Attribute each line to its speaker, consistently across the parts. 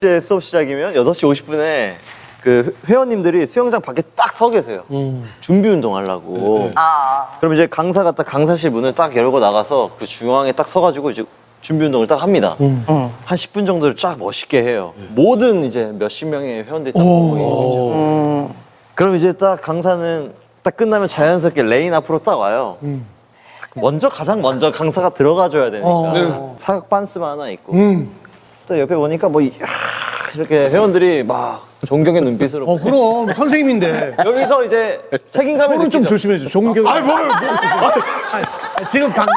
Speaker 1: 이제 수업 시작이면 8시 50분에 그 회원님들이 수영장 밖에 딱 서 계세요. 준비 운동 하려고. 그럼 이제 강사가 딱 강사실 문을 딱 열고 나가서 그 중앙에 딱 서가지고 이제 준비 운동을 딱 합니다. 한 10분 정도를 쫙 멋있게 해요. 모든 이제 몇십 명의 회원들이 딱 보고 있는 거죠. 그럼 이제 딱 강사는 딱 끝나면 자연스럽게 레인 앞으로 딱 와요. 가장 먼저 강사가 들어가줘야 되니까 사각 반스만 하나 있고 또 옆에 보니까 뭐 이렇게 회원들이 막 존경의 눈빛으로
Speaker 2: 그럼 선생님인데.
Speaker 1: 여기서 이제 책임감을
Speaker 2: 손은 좀
Speaker 1: 느끼죠.
Speaker 2: 조심해줘. 존경. 지금 방금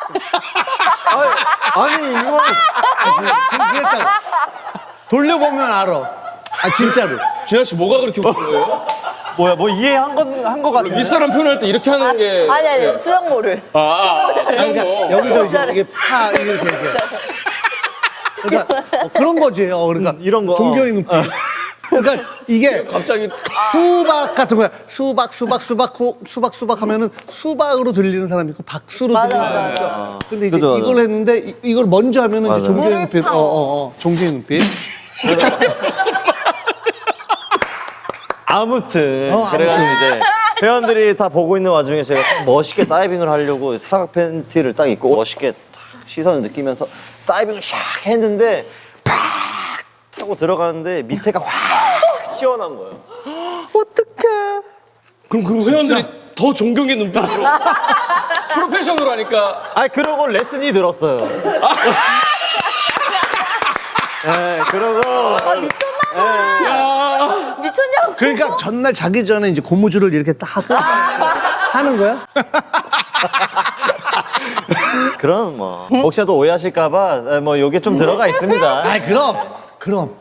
Speaker 1: 아니 이거
Speaker 2: 지금 그랬다고. 돌려보면 알아. 진짜로.
Speaker 3: 진아 씨 뭐가 그렇게 웃긴 거예요?
Speaker 1: 뭐야 뭐 이해한 거 같은데
Speaker 3: 윗사람 표현할 때 이렇게 하는 게
Speaker 4: 아니 수영모를.
Speaker 2: 그러니까 여기서 이게 파 이렇게 얘기해. 그러니까 그런 거지. 그러니까
Speaker 1: 이런 거.
Speaker 2: 존경의 눈빛. 그러니까 이게
Speaker 3: 갑자기
Speaker 2: 수박 같은 거야. 수박 하면은 수박으로 들리는 사람이 있고 박수로 들리는 사람이 있어. 근데 이제
Speaker 1: 그죠,
Speaker 2: 이걸 했는데 이걸 먼저 하면은 이제 존경의 눈빛. 존경의 눈빛.
Speaker 1: 아무튼 그래가지고 이제 회원들이 다 보고 있는 와중에 제가 딱 멋있게 다이빙을 하려고 사각 팬티를 딱 입고 멋있게 탁 시선을 느끼면서 다이빙을 샥 했는데 팍 타고 들어가는데 밑에가 확 시원한 거예요.
Speaker 4: 어떡해.
Speaker 3: 그럼 그 회원들이 더 존경의 눈빛으로 프로페셔널 하니까
Speaker 1: 그러고 레슨이 들었어요. 네, 그러고
Speaker 4: 미쳤냐고.
Speaker 2: 그러니까 전날 자기 전에 이제 고무줄을 이렇게 딱 하고 하는 거야?
Speaker 1: 그런 뭐 혹시라도 오해하실까봐 뭐 요게 좀 들어가 있습니다.
Speaker 2: 그럼